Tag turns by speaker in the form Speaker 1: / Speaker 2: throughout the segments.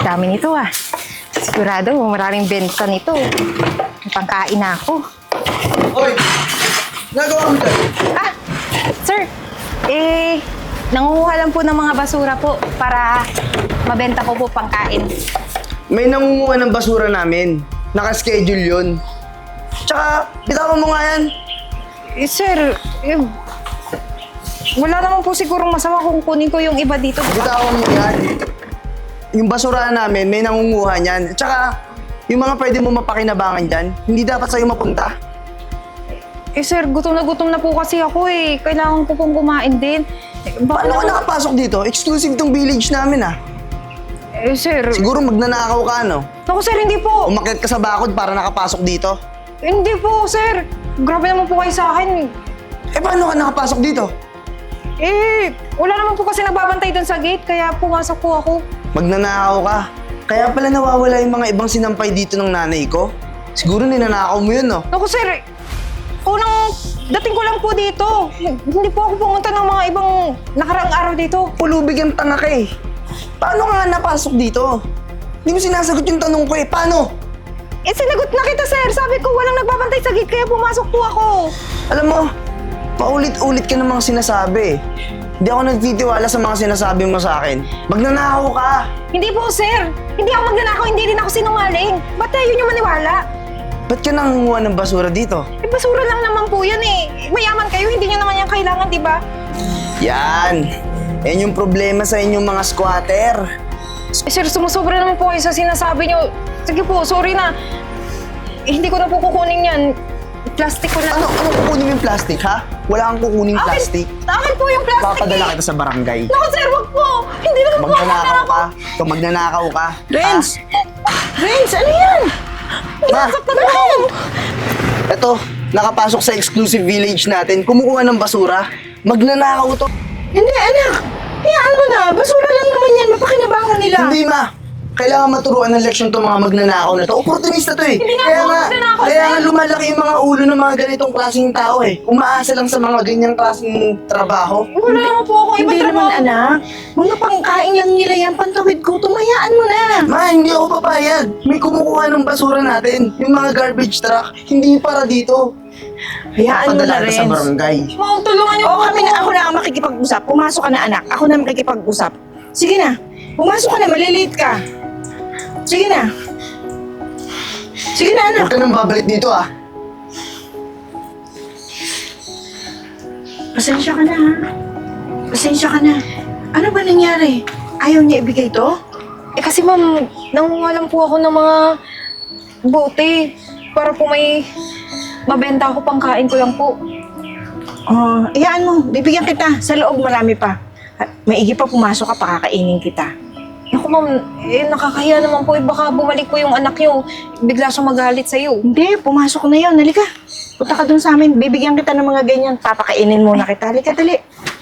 Speaker 1: dami nito ah. Sigurado, maraming benta nito. May pangkain na ako.
Speaker 2: Hoy! Nagawa mo dyan?
Speaker 1: Ah, sir, nangunguha lang po ng mga basura po para mabenta ko po pangkain.
Speaker 2: May nangunguha ng basura namin. Naka-schedule yun. Tsaka, bitawan mo nga yan.
Speaker 1: Sir, wala naman po sigurong masama kung kunin ko yung iba dito.
Speaker 2: Bitawan mo yan. Yung basura namin, may nangunguha niyan. Tsaka, yung mga pwede mo mapakinabangan dyan, hindi dapat sa'yo mapunta.
Speaker 1: Sir, gutom na po kasi ako eh. Kailangan ko pong kumain din.
Speaker 2: Paano ka nakapasok dito? Exclusive tong village namin ah.
Speaker 1: Sir.
Speaker 2: Siguro magnanakaw ka, no?
Speaker 1: Naku, sir, hindi po.
Speaker 2: Umakyat ka sa bakod para nakapasok dito.
Speaker 1: Hindi po, sir. Grabe naman po kayo sa akin.
Speaker 2: Paano ka nakapasok dito?
Speaker 1: Wala naman po kasi nagbabantay doon sa gate, kaya pumasok po ako.
Speaker 2: Magnanakaw ka. Kaya pala nawawala yung mga ibang sinampay dito ng nanay ko. Siguro ninanakaw mo yun, no?
Speaker 1: Naku, sir, unang dating ko lang po dito. Hindi po ako pumunta ng mga ibang nakaraang araw dito.
Speaker 2: Pulubig ang tanga ka eh. Paano ka nga napasok dito? Hindi mo sinasagot yung tanong ko eh. Paano?
Speaker 1: Sinagot na kita, sir. Sabi ko, walang nagbabantay sa gate, kaya pumasok po ako.
Speaker 2: Alam mo, paulit-ulit ka namang sinasabi eh. Hindi ako nagtitiwala sa mga sinasabi mo sa akin. Magnanakaw ka.
Speaker 1: Hindi po, sir. Hindi ako magnanakaw, hindi rin ako sinungaling. Ba't yun yung maniwala?
Speaker 2: Ba't ka nangunguha ng basura dito?
Speaker 1: Basura lang naman po yan eh. Mayaman kayo, hindi nyo naman yan kailangan, di ba?
Speaker 2: Yan. Yan yung problema sa inyong mga squatter.
Speaker 1: Sir, sumusobra naman po kayo sa sinasabi nyo. Sige po, sorry na. Hindi ko na po kukunin yan. Plastic ko na.
Speaker 2: Ano kukunin mo yung plastic, ha? Wala kang kukuning plastic.
Speaker 1: Akin po yung plastic
Speaker 2: Papadala kita sa barangay.
Speaker 1: Naku, sir, wag po. Hindi naman po ako
Speaker 2: Magnanakaw ka. Ito, magnanakaw ka.
Speaker 3: Renz! Renz, ano yan?
Speaker 2: Ma!
Speaker 1: Nasaktan ako.
Speaker 2: Ito, nakapasok sa exclusive village natin. Kumukuha ng basura. Magnanakaw to.
Speaker 3: Hindi, anak. Hayaan mo na. Basura lang naman yan. Mapakinabangan nila.
Speaker 2: Hindi, ma. Kailangan maturuan ng leksyon itong mga magnanakaw na to. Opportunista to eh.
Speaker 1: Hindi nga
Speaker 2: Kaya
Speaker 1: po
Speaker 2: nga,
Speaker 1: magnanakaw,
Speaker 2: kaya
Speaker 1: sir.
Speaker 2: nga lumalaki yung mga ulo ng mga ganitong klaseng tao eh. Umaasa lang sa mga ganyang klaseng trabaho.
Speaker 1: Wala naman po ako
Speaker 3: Hindi
Speaker 1: ibang
Speaker 3: naman,
Speaker 1: trabaho.
Speaker 3: anak. Mga pangkain lang nila yan. Pantawid ko. Tumayaan mo na.
Speaker 2: Ma, hindi ako papayag. May kumukuha ng basura natin. Yung mga garbage truck, hindi para dito.
Speaker 3: Hayaan mo na,
Speaker 2: Padala kita sa
Speaker 3: Renz.
Speaker 2: barangay.
Speaker 1: Ma'am, tulungan niyo
Speaker 3: Oo,
Speaker 1: po
Speaker 3: kami na. Ako na ang makikipag-usap. Pumasok ka na, anak. Ako na makikipag-usap. Sige na. Pumasok ka na. Malilate ka. Sige na. Sige na, anak.
Speaker 2: Huwag ka nang babalik dito ah.
Speaker 3: Pasensya ka na, ha? Pasensya ka na. Ano ba nangyari? Ayaw niya ibigay to?
Speaker 1: Kasi ma'am, nangunguha lang po ako ng mga bote para po may mabenta ako pangkain ko lang po.
Speaker 3: Oh, iyaan mo. Bibigyan kita. Sa loob marami pa. Maigi pa pumasok ka, pakakainin kita.
Speaker 1: Naku ma'am, nakakahiya naman po. Baka bumalik po yung anak niyo. Bigla siyang magalit sa'yo.
Speaker 3: Hindi, pumasok na yun. Halika. Punta ka dun sa amin. Bibigyan kita ng mga ganyan. Papakainin muna kita. Halika, dali.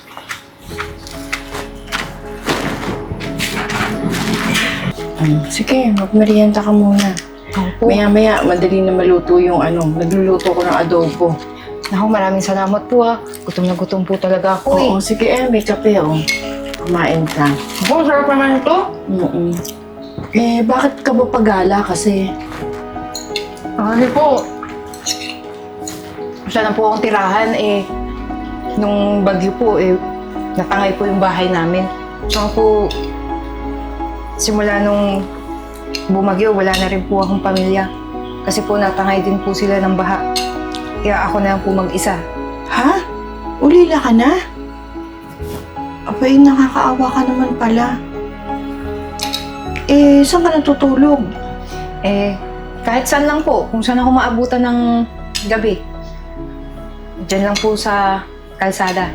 Speaker 3: Sige, magmerienda ka muna.
Speaker 1: Opo.
Speaker 3: Maya-maya, madali na maluto yung nagluluto ko ng adobo.
Speaker 1: Naku, maraming salamat po ah. Gutom na gutom po talaga ako
Speaker 3: Oo, sige may kape Kumain ka.
Speaker 1: Oh, sarap naman ito.
Speaker 3: Mm-mm. Bakit ka ba pagala kasi?
Speaker 1: Ano po? Wala na po akong tirahan nung bagyo po natangay po yung bahay namin. Tsaka po, simula nung bumagyo, wala na rin po akong pamilya. Kasi po natangay din po sila ng baha. Kaya ako na lang po mag-isa.
Speaker 3: Ha? Ulila ka na? Abay, nakakaawa ka naman pala. Saan ka natutulog?
Speaker 1: Kahit saan lang po, kung saan ako maabutan ng gabi. Diyan lang po sa kalsada.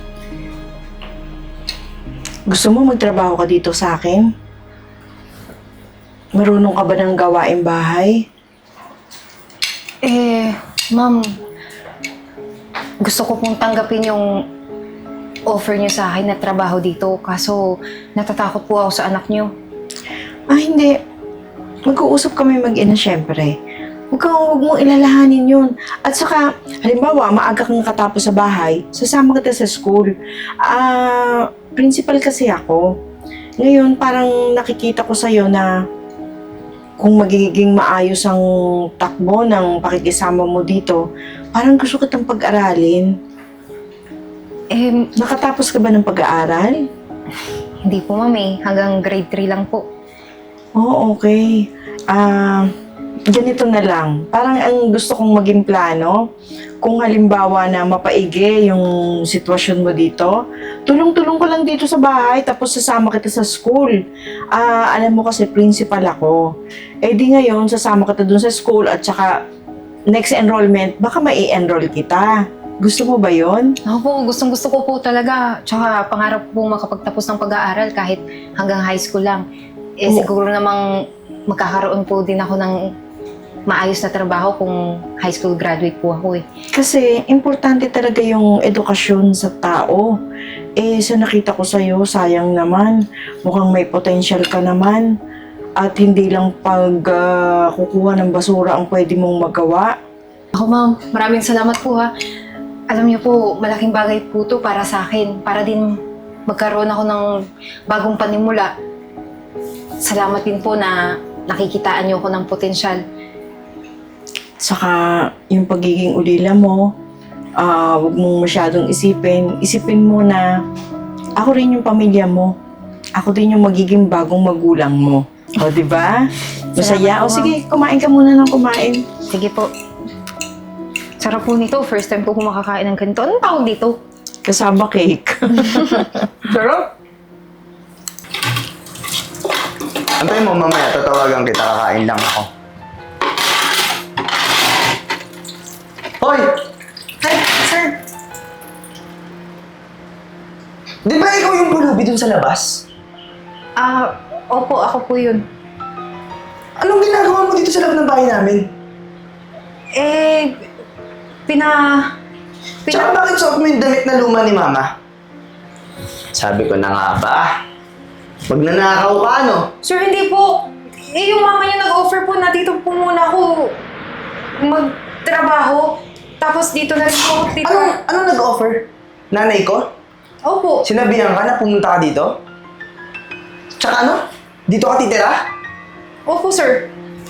Speaker 3: Gusto mo magtrabaho ka dito sa akin? Marunong ka ba ng gawaing bahay?
Speaker 1: Ma'am, gusto ko pong tanggapin yung offer niyo sa akin na trabaho dito. Kaso, natatakot po ako sa anak niyo.
Speaker 3: Hindi. Mag-uusap kami mag-ina, syempre. Huwag mong ilalahanin yun. At saka, halimbawa, maaga kang katapos sa bahay, sasama kita sa school. Principal kasi ako. Ngayon, parang nakikita ko sa'yo na kung magiging maayos ang takbo ng pakikisama mo dito, parang gusto kitang pag-aralin.
Speaker 1: Eh,
Speaker 3: Nakatapos ka ba ng pag-aaral?
Speaker 1: hindi po ma'am eh. Hanggang grade 3 lang po.
Speaker 3: Oh, okay. Ganito na lang. Parang ang gusto kong maging plano, kung halimbawa na mapaigi yung sitwasyon mo dito, tulong-tulong ko lang dito sa bahay, tapos sasama kita sa school. Alam mo kasi, principal ako. Eh di ngayon, sasama kita dun sa school at saka next enrollment, baka mai-enroll kita. Gusto mo ba yon?
Speaker 1: Ako po, gustong-gusto ko po talaga. Tsaka pangarap ko po makapagtapos ng pag-aaral kahit hanggang high school lang. Eh
Speaker 3: Oo.
Speaker 1: siguro namang magkakaroon po din ako ng maayos na trabaho kung high school graduate po ako eh.
Speaker 3: Kasi importante talaga yung edukasyon sa tao. Eh, sa nakita ko sa'yo, sayang naman. Mukhang may potential ka naman. At hindi lang kukuha ng basura ang pwede mong magawa.
Speaker 1: Ako ma'am, maraming salamat po ha. Alam niyo po, malaking bagay po to para sa akin. Para din magkaroon ako ng bagong panimula. Salamat din po na nakikitaan niyo ako ng potensyal.
Speaker 3: Saka yung pagiging ulila mo, huwag mong masyadong isipin. Isipin mo na ako rin yung pamilya mo. Ako din yung magiging bagong magulang mo. O, di ba? Masaya.
Speaker 1: Salamat po,
Speaker 3: O, sige, kumain ka muna ng kumain.
Speaker 1: Sige po. Sarap po nito. First time po ko makakain ng ganito. Anong tawag dito?
Speaker 3: Kasama cake.
Speaker 2: Sarap! Antayin mo mamaya, tatawagan kita, kakain lang ako. Hoy!
Speaker 3: Hi, sir.
Speaker 2: Di ba ikaw yung pulubi dun sa labas?
Speaker 1: Opo, ako po yun.
Speaker 2: Anong ginagawa mo dito sa loob ng bahay namin?
Speaker 1: Eh,
Speaker 2: Tsaka bakit suot mo yung damit na luma ni Mama? Sabi ko na nga ba, magnanakaw ka, no?
Speaker 1: Sir, hindi po. Eh, yung mama niyo nag-offer po na dito po muna ako magtrabaho. Tapos dito na rin po ako dito.
Speaker 2: Anong nag-offer? Nanay ko?
Speaker 1: Opo.
Speaker 2: Sinabihan ka na pumunta ka dito? Tsaka ano? Dito ka titira?
Speaker 1: Opo, sir.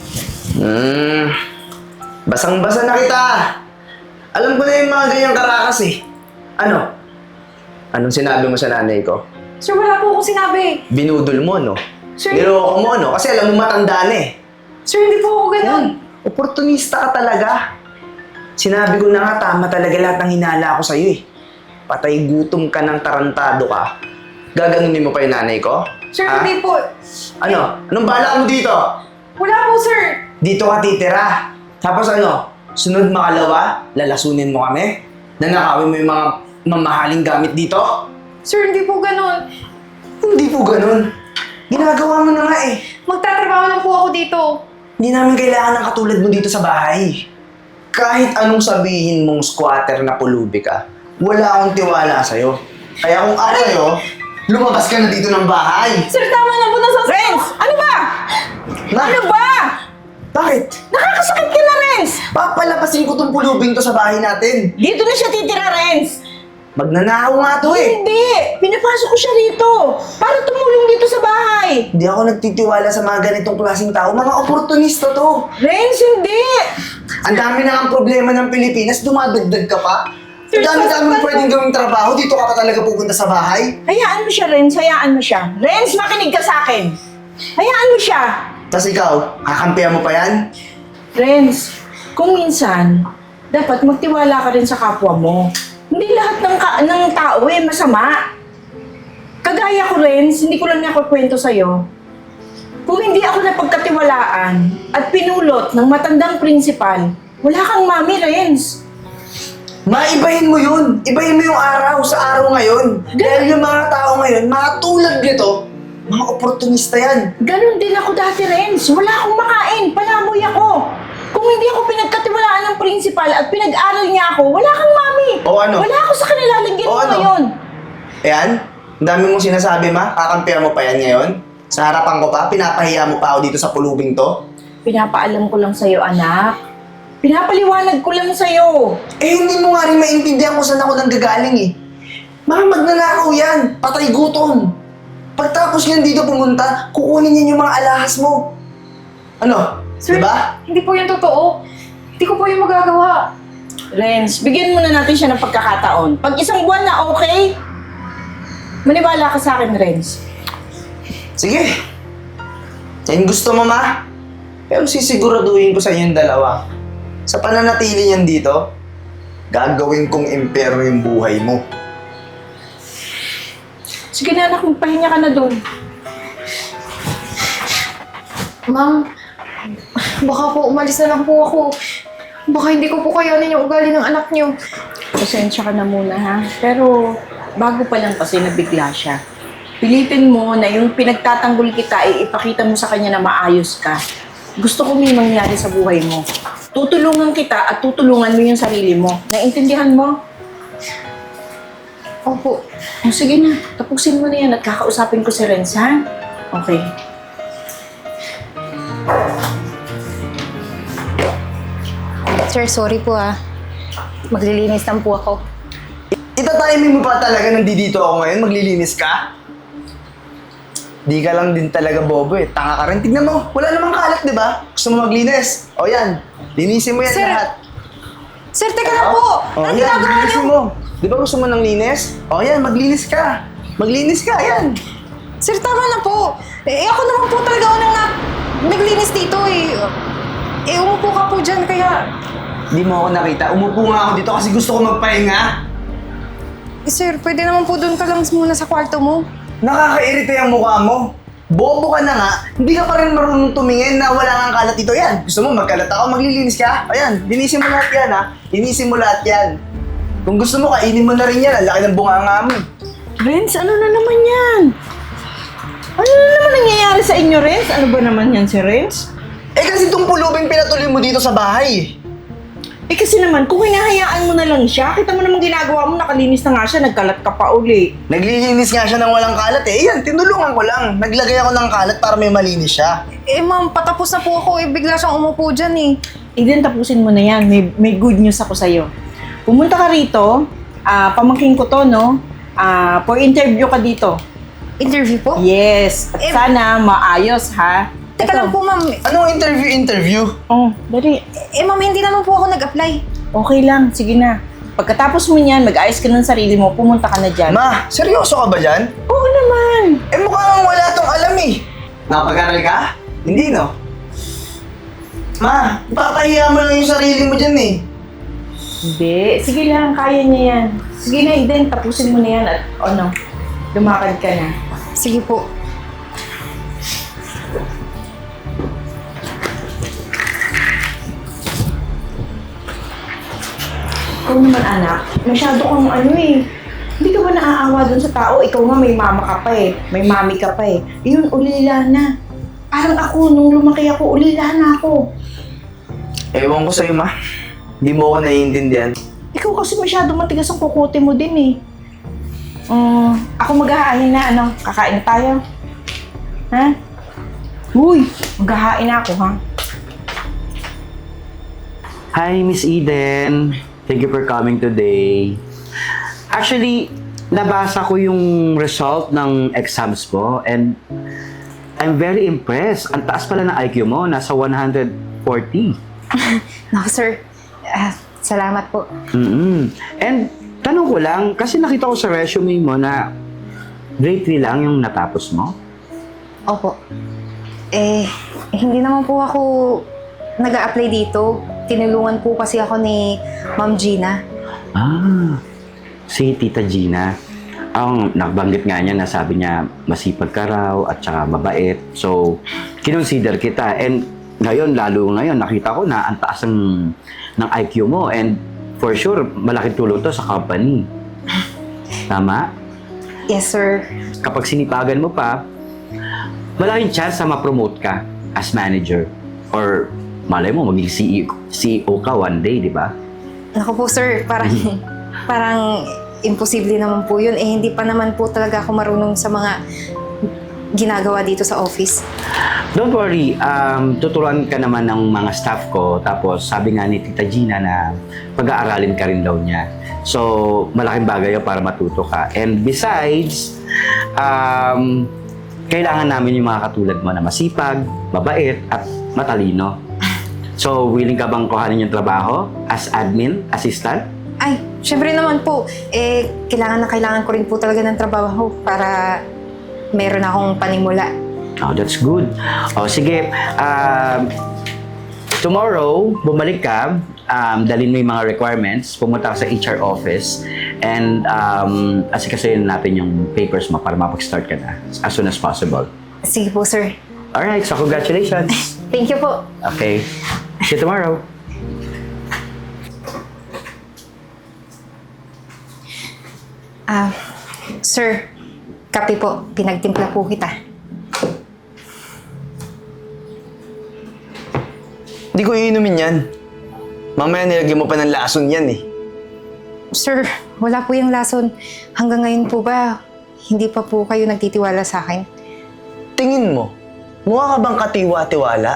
Speaker 2: Basang-basa na kita. Alam ko na yung mga ganyang karakas eh. Ano? Anong sinabi mo sa nanay ko?
Speaker 1: Sir, wala po akong sinabi.
Speaker 2: Binudol mo, no?
Speaker 1: Sir,
Speaker 2: Niloko mo, no? Kasi alam mo matanda na eh.
Speaker 1: sir, hindi po ako ganun.
Speaker 2: Oportunista ka talaga. Sinabi ko na nga, tama talaga lahat ng hinala ko sa'yo eh. Patay gutom ka ng tarantado ka. Gaganunin mo pa yung nanay ko?
Speaker 1: Sir,
Speaker 2: Ha?
Speaker 1: hindi po.
Speaker 2: Ano? Anong balak mo dito?
Speaker 1: Wala po, sir.
Speaker 2: Dito ka titira. Tapos ano? Sunod makalawa, lalasunin mo kami? Nanakawin mo yung mga mamahaling gamit dito?
Speaker 1: Sir, hindi po ganun.
Speaker 2: Hindi po ganun. Ginagawa mo na nga eh.
Speaker 1: Magtatrabaho lang po ako dito.
Speaker 2: Hindi namin kailangan ng katulad mo dito sa bahay. Kahit anong sabihin mong squatter na pulubi ka, wala akong tiwala sa'yo. Kaya kung ako sa'yo, lumabas ka na dito ng bahay.
Speaker 1: Sir, tama na po na
Speaker 3: Renz! Ano ba? Ano ba?
Speaker 2: Bakit?
Speaker 3: Nakakasakit ka na, Renz!
Speaker 2: Papalapasin ko tong pulubing to sa bahay natin.
Speaker 3: Dito na siya titira, Renz!
Speaker 2: Magnanakaw nga to eh.
Speaker 3: Hindi! Pinapasok ko siya rito para tumulong dito sa bahay.
Speaker 2: Hindi ako nagtitiwala sa mga ganitong klaseng tao. Mga oportunista to.
Speaker 3: Renz, hindi!
Speaker 2: Ang dami na ang problema ng Pilipinas, dumadagdag ka pa. Ang dami-dami pwedeng gawing trabaho, dito ka pa talaga pupunta sa bahay.
Speaker 3: Hayaan mo siya, Renz. Hayaan mo siya. Renz, makinig ka sa akin. Hayaan mo siya.
Speaker 2: Tapos ikaw, kakampihan mo pa yan?
Speaker 3: Renz, kung minsan, dapat magtiwala ka rin sa kapwa mo. Hindi lahat ng tao masama. Kagaya ko, Renz, hindi ko lang nakukwento sa'yo. Kung hindi ako napagkatiwalaan at pinulot ng matandang prinsipal, wala kang mami, Renz.
Speaker 2: Maibahin mo yun. Ibahin mo yung araw sa araw ngayon. Dahil yung mga tao ngayon, mga tulad nito, mga oportunista yan.
Speaker 3: Ganon din ako dati, Renz. Wala akong makain. Palamoy ako. Kung hindi ako pinagkatiwalaan ng prinsipal at pinag-aral niya ako, wala kang mami.
Speaker 2: O ano?
Speaker 3: Wala ako sa kanila. Lagyan
Speaker 2: O
Speaker 3: mo
Speaker 2: ano?
Speaker 3: ngayon.
Speaker 2: Ayan, ang dami mong sinasabi, ma. Kakampihan mo pa yan ngayon. Sa harapan ko pa, pinapahiya mo pa ako dito sa pulubing to.
Speaker 3: Pinapaalam ko lang sa'yo, anak. Pinapaliwanag ko lang sa'yo.
Speaker 2: Eh, hindi mo nga rin maintindihan kung saan ako nanggagaling eh. Mga magnanakaw yan. Patay gutom. Pagtapos niyan dito pumunta, kukunin niya yung mga alahas mo. Ano?
Speaker 1: Sir,
Speaker 2: Diba?
Speaker 1: hindi po yung totoo. Hindi ko po yung magagawa.
Speaker 3: Renz, bigyan muna natin siya ng pagkakataon. Pag isang buwan na okay, maniwala ka sa akin, Renz.
Speaker 2: Sige. Yan gusto mo, ma. Pero sisiguraduhin ko sa inyong dalawa. Sa pananatili niyan dito, gagawin kong impero yung buhay mo.
Speaker 3: Sige na anak, magpahinga ka na doon.
Speaker 1: Ma'am, baka po umalis na lang po ako. Baka hindi ko po kayanin yung ugali ng anak niyo.
Speaker 3: Pasensya ka na muna ha. Pero bago pa lang kasi nabigla siya. Pilitin mo na yung pinagtatanggol kita ay ipakita mo sa kanya na maayos ka. Gusto ko may mangyari sa buhay mo. Tutulungan kita at tutulungan mo yung sarili mo. Naintindihan mo?
Speaker 1: Opo.
Speaker 3: O sige na, tapusin mo na yan at kakausapin ko si Renz ha? Okay.
Speaker 1: Sir, sorry po maglilinis lang po ako.
Speaker 2: Itatiming mo pa talaga nandito ako ngayon, maglilinis ka? Di ka lang din talaga bobo eh. Tanga ka rin. Tignan mo, wala namang kalat, di ba? Gusto mo maglinis? O yan, linisin mo yan
Speaker 1: Sir,
Speaker 2: lahat.
Speaker 1: Sir, teka lang po!
Speaker 2: O
Speaker 1: Anong
Speaker 2: yan,
Speaker 1: ginagawa niyo?
Speaker 2: linisin mo. Di ba gusto mo ng linis? O yan, maglinis ka. Maglinis ka, yan.
Speaker 1: Sir, tama na po. Ako naman po talaga unang naglinis dito eh. Umupo ka po dyan, kaya...
Speaker 2: Di mo ako nakita. Umupo nga ako dito kasi gusto ko magpahinga.
Speaker 1: Sir, pwede naman po doon ka lang muna sa kwarto mo.
Speaker 2: Nakakairita yung mukha mo. Bobo ka na nga, hindi ka pa rin marunong tumingin na wala kang kalat dito. Yan, gusto mo magkalat ako, maglilinis ka? Ayan, linisin mo lahat yan ha. Linisin mo lahat yan. Kung gusto mo, kainin mo na rin yan. Ang laki ng bunganga mo.
Speaker 3: Renz, ano na naman yan? Ano na naman nangyayari sa inyo, Renz? Ano ba naman yan si Renz?
Speaker 2: Eh kasi itong pulubing pinatuloy mo dito sa bahay.
Speaker 3: Eh kasi naman, kung hinahayaan mo na lang siya, kita mo naman ginagawa mo, nakalinis na nga siya, nagkalat ka pa uli.
Speaker 2: Naglilinis nga siya ng walang kalat eh. Yan, tinulungan ko lang. Naglagay ako ng kalat para may malinis siya.
Speaker 1: Ma'am, patapos na po ako. Bigla siyang umupo dyan eh.
Speaker 3: Eden, tapusin mo na yan. May good news ako sa'yo. Pumunta ka rito, pamangking ko to, no? For interview ka dito.
Speaker 1: Interview po?
Speaker 3: Yes. At sana maayos, ha?
Speaker 1: Teka lang po, ma'am.
Speaker 2: Anong interview?
Speaker 3: Oh, dali.
Speaker 1: Ma'am, hindi naman po ako nag-apply.
Speaker 3: Okay lang, sige na. Pagkatapos mo niyan, mag-ayos ka ng sarili mo, pumunta ka na dyan.
Speaker 2: Ma, seryoso ka ba dyan?
Speaker 3: Oo naman.
Speaker 2: Eh mukhang wala tong alam eh. Nakapag-aral ka? Hindi no? Ma, papahiya mo lang yung sarili mo dyan eh.
Speaker 3: Hindi. Sige lang, kaya niya yan. Sige na, Eden, tapusin mo na yan at lumakad ka na.
Speaker 1: Sige po.
Speaker 3: Ikaw naman anak, masyado kang hindi ka ba naaawa dun sa tao? Ikaw nga may mama ka pa eh, may mami ka pa eh. Yun, ulila na. Parang ako, nung lumaki ako, ulila na ako.
Speaker 2: Ewan ko sa'yo ma. Hindi mo ako naiintindihan.
Speaker 3: Ikaw kasi masyado matigas ang kukote mo din eh. Ako maghahain na, kakain na tayo. Ha? Uy, maghahain na ako ha.
Speaker 4: Hi, Miss Eden. Thank you for coming today. Actually, nabasa ko yung result ng exams mo and I'm very impressed. Ang taas pala ng IQ mo, nasa 140.
Speaker 1: Naku, sir. Salamat po.
Speaker 4: And tanong ko lang, kasi nakita ko sa resume mo na grade 3 lang yung natapos mo.
Speaker 1: Opo. Hindi naman po ako nag-a-apply dito. Tinulungan po kasi ako ni Ma'am Gina.
Speaker 4: Si Tita Gina. Ang nakabanggit nga niya na sabi niya masipag ka raw at saka mabait. So, kinonsider kita. And ngayon, lalo ngayon, nakita ko na ang taas ng IQ mo. And for sure, malaking tulong to sa company. Tama?
Speaker 1: Yes, sir.
Speaker 4: Kapag sinipagan mo pa, malaking chance na ma-promote ka as manager. Or malay mo, maging CEO ka one day, di ba?
Speaker 1: Naku po, sir. Parang imposible naman po yun. Hindi pa naman po talaga ako marunong sa mga ginagawa dito sa office.
Speaker 4: Don't worry, tuturuan ka naman ng mga staff ko. Tapos sabi nga ni Tita Gina na pag-aaralin ka rin daw niya. So, malaking bagay yun para matuto ka. And besides, kailangan namin yung mga katulad mo na masipag, mabait, at matalino. So, willing ka bang kuhanin yung trabaho as admin, assistant?
Speaker 1: Ay, syempre naman po. Kailangan na kailangan ko rin po talaga ng trabaho para meron akong panimula.
Speaker 4: Oh, that's good. Oh, sige. Tomorrow, bumalik ka. Dalhin mo yung mga requirements. Pumunta ka sa HR office. And asikasuhin natin yung papers mo para mapag-start ka na as soon as possible.
Speaker 1: Sige po, sir.
Speaker 4: Alright, so congratulations.
Speaker 1: Thank you po.
Speaker 4: Okay. See you tomorrow.
Speaker 1: Sir, kape po. Pinagtimpla po kita.
Speaker 2: Hindi ko iinumin yan. Mamaya nilagyan mo pa ng lason yan eh.
Speaker 1: Sir, wala po yung lason. Hanggang ngayon po ba, hindi pa po kayo nagtitiwala sa akin?
Speaker 2: Tingin mo, mukha ka bang katiwa-tiwala?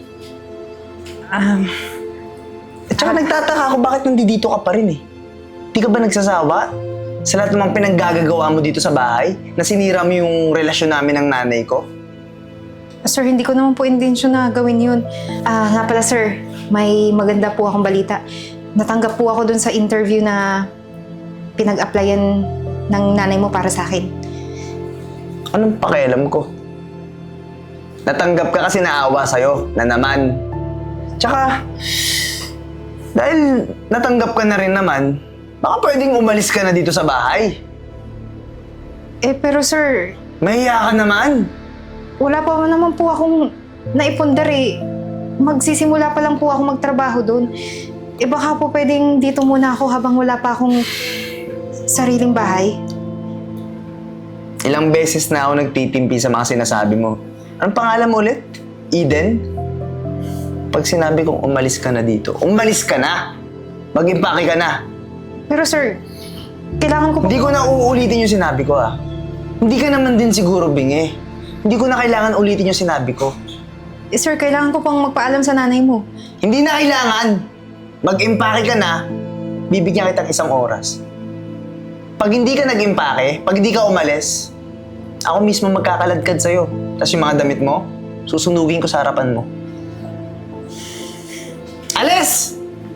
Speaker 2: At saka nagtataka ako bakit nandito ka pa rin eh. Di ka ba nagsasawa? Sa lahat namang pinaggagawa mo dito sa bahay, na sinira mo yung relasyon namin ng nanay ko?
Speaker 1: Sir, hindi ko naman po intensyon na gawin yun. Nga pala sir, may maganda po akong balita. Natanggap po ako dun sa interview na pinag-applyan ng nanay mo para sa akin.
Speaker 2: Anong pakialam ko? Natanggap ka kasi naawa sa'yo, na naman. Tsaka, dahil natanggap ka na rin naman, baka pwedeng umalis ka na dito sa bahay.
Speaker 1: Pero sir,
Speaker 2: Mahiya ka naman.
Speaker 1: wala pa naman po akong naipundar eh. Magsisimula pa lang po ako magtrabaho doon. Baka po pwedeng dito muna ako habang wala pa akong sariling bahay.
Speaker 2: Ilang beses na ako nagtitimpi sa mga sinasabi mo. Anong pangalan mo ulit? Eden? Pag sinabi kong umalis ka na dito, umalis ka na! Mag-impake ka na!
Speaker 1: Pero sir, kailangan ko po...
Speaker 2: Hindi ko na uulitin yung sinabi ko ah. Hindi ka naman din siguro bingi. Hindi ko na kailangan ulitin yung sinabi ko.
Speaker 1: Sir, kailangan ko pang magpaalam sa nanay mo.
Speaker 2: Hindi na kailangan. Mag-impake ka na, bibigyan kitang 1 oras. Pag hindi ka nag-impake, pag hindi ka umalis, ako mismo magkakaladkad sa'yo. Tapos yung mga damit mo, susunugin ko sa harapan mo. Alis!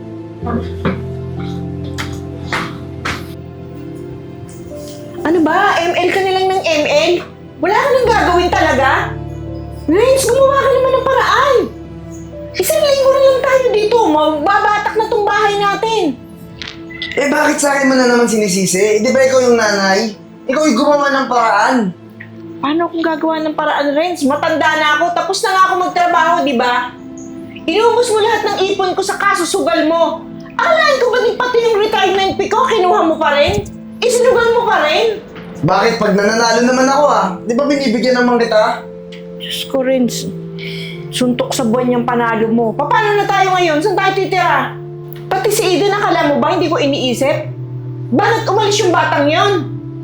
Speaker 3: Ano ba? ML ka na lang ng ML? Wala ka nang gagawin talaga? Renz, gumawa ka naman ng paraan. Isang linggo na lang tayo dito. Magbabatak na tong bahay natin.
Speaker 2: Eh bakit sa akin mo na naman sinisisi? Di ba ikaw yung nanay? Ikaw yung gumawa ng paraan.
Speaker 3: Paano kung gagawa ng paraan, Renz? Matanda na ako. Tapos na nga ako magtrabaho, di ba? Inubos mo lahat ng ipon ko sa kasusugal mo. Akalain ko ba din pati yung retirement pay ko, kinuha mo pa rin? Isinugal mo pa rin?
Speaker 2: Bakit pag nananalo naman ako ah? Di ba binibigyan naman kita?
Speaker 3: Diyos ko, Renz. Suntok sa buwan yung panalo mo. Paano na tayo ngayon? Saan tayo titira? Pati si Eden, akala mo ba hindi ko iniisip? Bakit umalis yung batang yon?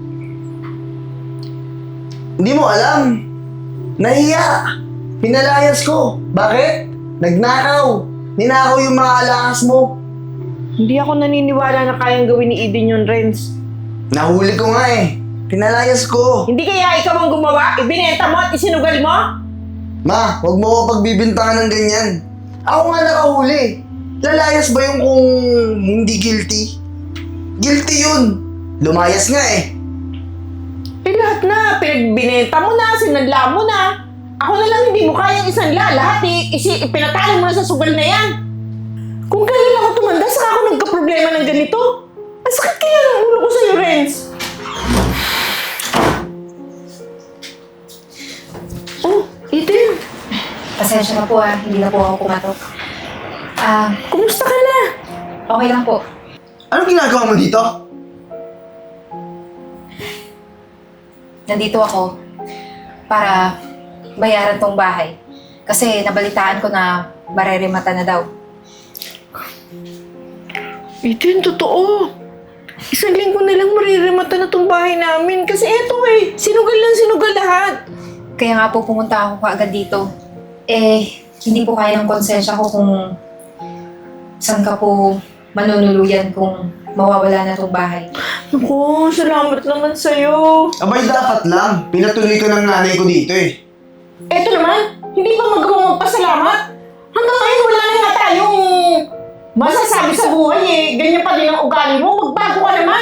Speaker 2: Hindi mo alam. Nahiya. Pinalayas ko. Bakit? Nagnakaw. Ninakaw yung mga alahas mo.
Speaker 3: Hindi ako naniniwala na kayang gawin ni Eden yun, Renz.
Speaker 2: Nahuli ko nga eh. Pinalayas ko.
Speaker 3: Hindi kaya ikaw ang gumawa? Ibinenta mo at isinugal mo?
Speaker 2: Ma, huwag mo ko pagbibintangan ng ganyan. Ako nga nakahuli. Lalayas ba yung kung hindi guilty? Guilty yun. Lumayas nga eh.
Speaker 3: Lahat na. Pinagbinenta mo na, sinanla mo na. Ako na lang hindi mo kayang isanla. Lahat pinatalo mo na sa sugal na yan. Kung kailan ako tumanda, saka ako nagka-problema ng ganito. Ang sakit kaya ng ulo ko sa'yo, Renz. Oh, Eden.
Speaker 1: Pasensya na po hindi na po ako kumatok.
Speaker 3: Kumusta ka na?
Speaker 1: Okay lang po.
Speaker 2: Anong ginagawa mo dito?
Speaker 1: Nandito ako para bayaran tong bahay. Kasi nabalitaan ko na mareremata na daw.
Speaker 3: Eden, totoo. Isang linggo na lang maririmata na tong bahay namin. Kasi eto sinugal lang sinugal lahat.
Speaker 1: Kaya nga po pumunta ako kaagad dito. Hindi po kaya ng konsensya ko kung saan ka po manunuluyan kung mawawala na tong bahay.
Speaker 3: Naku, salamat naman sa'yo.
Speaker 2: Abay, dapat lang. Pinatuloy ka ng nanay ko dito eh.
Speaker 3: Eto naman, hindi pa magawang magpasalamat. Hanggang ngayon wala na nga tayong masasabi sa buhay eh. Ganyan pa din ang ugali mo, magbago ka naman.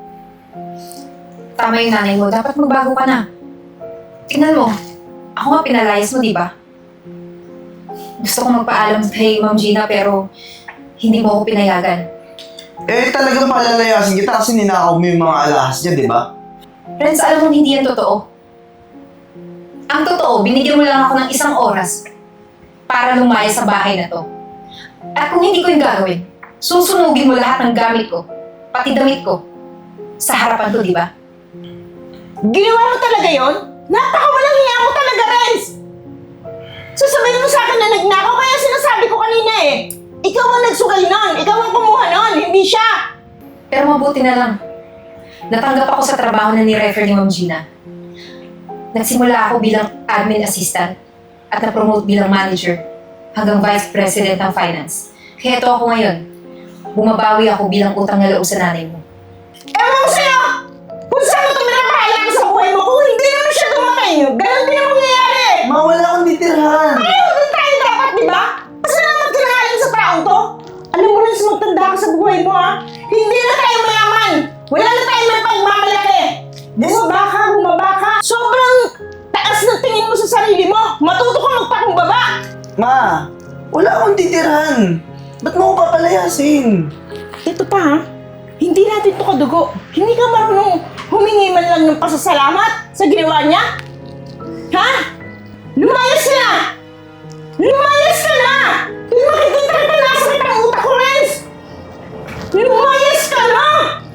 Speaker 1: Tama yung nanay mo, dapat magbago ka na. Tingnan mo, ako nga pinalayas mo, di ba? Gusto kong magpaalam kay Ma'am Gina pero hindi mo ako pinayagan.
Speaker 2: Eh, talagang palalayasin kita kasi ninakaw mo yung mga alahas niya, di ba?
Speaker 1: Friends, alam mo hindi yan totoo. Ang totoo, binigyan mo lang ako ng 1 oras para lumayas sa bahay na to. At kung hindi ko yung gagawin, susunugin mo lahat ng gamit ko, pati damit ko, sa harapan ko, di ba?
Speaker 3: Ginawa mo talaga yon? Napakawalang hiya mo talaga, Renz! Sasabihin mo sa akin na nagnakaw, kaya sinasabi ko kanina eh. Ikaw ang nagsugal nun, ikaw ang kumuha nun, hindi siya.
Speaker 1: Pero mabuti na lang. Natanggap ako sa trabaho na ni-refer ni Ma'am Gina. Nagsimula ako bilang admin assistant at na-promote bilang manager hanggang vice president ng finance. Kaya ito ako ngayon. Bumabawi ako bilang utang na loob sa nanay mo.
Speaker 3: Ewan ko sa'yo! Kung saan mo ito minapahalang sa buhay mo, kung hindi naman siya dumating, ganun din ang mangyayari.
Speaker 2: Ma, wala akong titirhan.
Speaker 3: Ayaw din tayo dapat, di ba? Pasalamat ka na nga lang sa taong to. Alam mo rin, magtanda ka sa buhay mo, ha? Hindi na tayo mayaman. Wala na tayo may pagmamalaki. Bumaba ka. Sobrang taas ng tingin mo sa sarili mo. Matuto ka magpakumbaba.
Speaker 2: Ma, wala akong titirhan. Ba't mo ko papalayasin?
Speaker 3: Ito pa, ha? Hindi natin to kadugo. Hindi ka marunong humingi man lang ng pasasalamat sa ginawa niya? Ha? Lumayas ka na! Lumayas ka na! Hindi makikita kita nasa kitang utak ko, Renz! Lumayas ka na!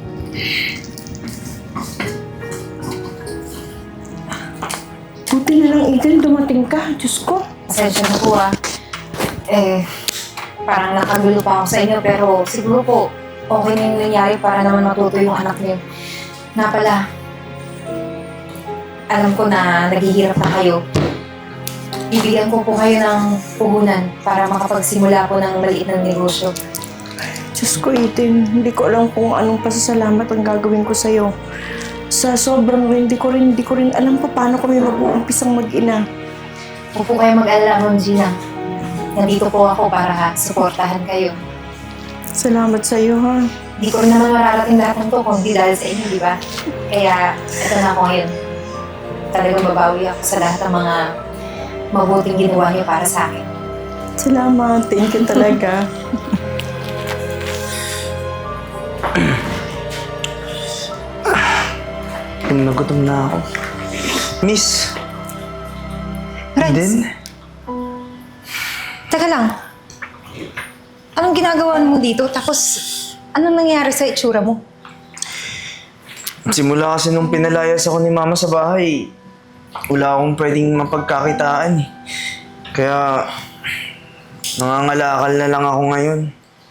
Speaker 3: Buti na lang, Eden, dumating ka. Diyos ko.
Speaker 1: Pasensya na po parang nakagulo pa ako sa inyo pero siguro po okay na yung nangyari para naman matuto yung anak niyo. Na pala, alam ko na naghihirap na kayo. Bibigyan ko po kayo ng puhunan para makapagsimula po ng maliit ng negosyo.
Speaker 3: Diyos ko, Eden, hindi ko alam kung anong pasasalamat ang gagawin ko sa'yo. Sa sobrang hindi ko rin alam pa paano kami mag-uumpisang mag-ina.
Speaker 1: Huwag po kayo mag-alala, Ma'am Gina. Nandito po ako para suportahan kayo.
Speaker 3: Salamat sa'yo, ha?
Speaker 1: Hindi ko rin naman mararating lahat ng to kung hindi dahil sa inyo, di ba? Kaya, ito na ako ngayon. Talagang babawi ako sa lahat ng mga mabuting ginawa niyo para sa akin.
Speaker 3: Salamat. Thank you talaga.
Speaker 2: Nagutom na ako. Miss,
Speaker 1: Renz,
Speaker 2: Eden?
Speaker 1: teka lang. Anong ginagawa mo dito? Tapos, anong nangyari sa itsura mo?
Speaker 2: Simula kasi nung pinalayas ako ni Mama sa bahay, wala akong pwedeng mapagkakitaan eh. Kaya, nangangalakal na lang ako ngayon.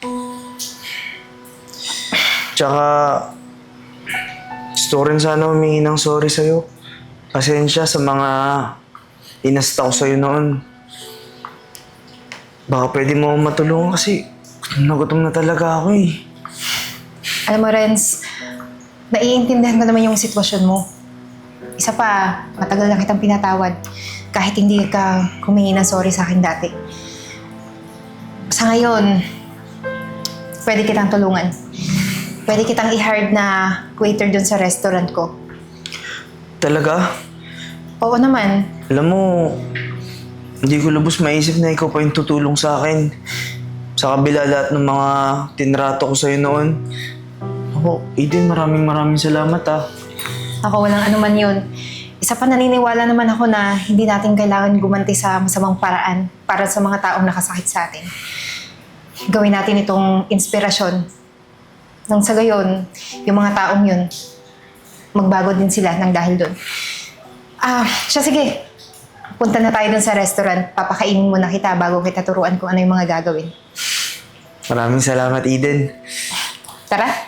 Speaker 2: Tsaka, gusto ko rin sana humingi ng sorry sa'yo. Pasensya sa mga inasta ko sa'yo noon. Baka pwede mo akong matulungan kasi nagutom na talaga ako eh.
Speaker 1: Alam mo, Renz, naiintindihan ko naman yung sitwasyon mo. Isa pa, matagal na kitang pinatawad kahit hindi ka humingi ng sorry sa akin dati. Sa ngayon, pwede kitang tulungan. Pwede kitang i-hire na waiter dun sa restaurant ko.
Speaker 2: Talaga?
Speaker 1: Oo naman.
Speaker 2: Alam mo, hindi ko lubos maisip na ikaw pa yung tutulong sa akin. Sa kabila lahat ng mga tinrato ko sa'yo noon. Ako, Eden, maraming salamat ah.
Speaker 1: Ako, walang anuman yun. Isa pa naniniwala naman ako na hindi natin kailangan gumanti sa masamang paraan para sa mga taong nakasakit sa atin. Gawin natin itong inspirasyon. Nang sa gayon, yung mga taong yun, magbago din sila ng dahil doon. Siya sige. Punta na tayo dun sa restaurant. Papakainin muna kita bago kita turuan kung ano yung mga gagawin.
Speaker 2: Maraming salamat, Eden.
Speaker 1: Tara!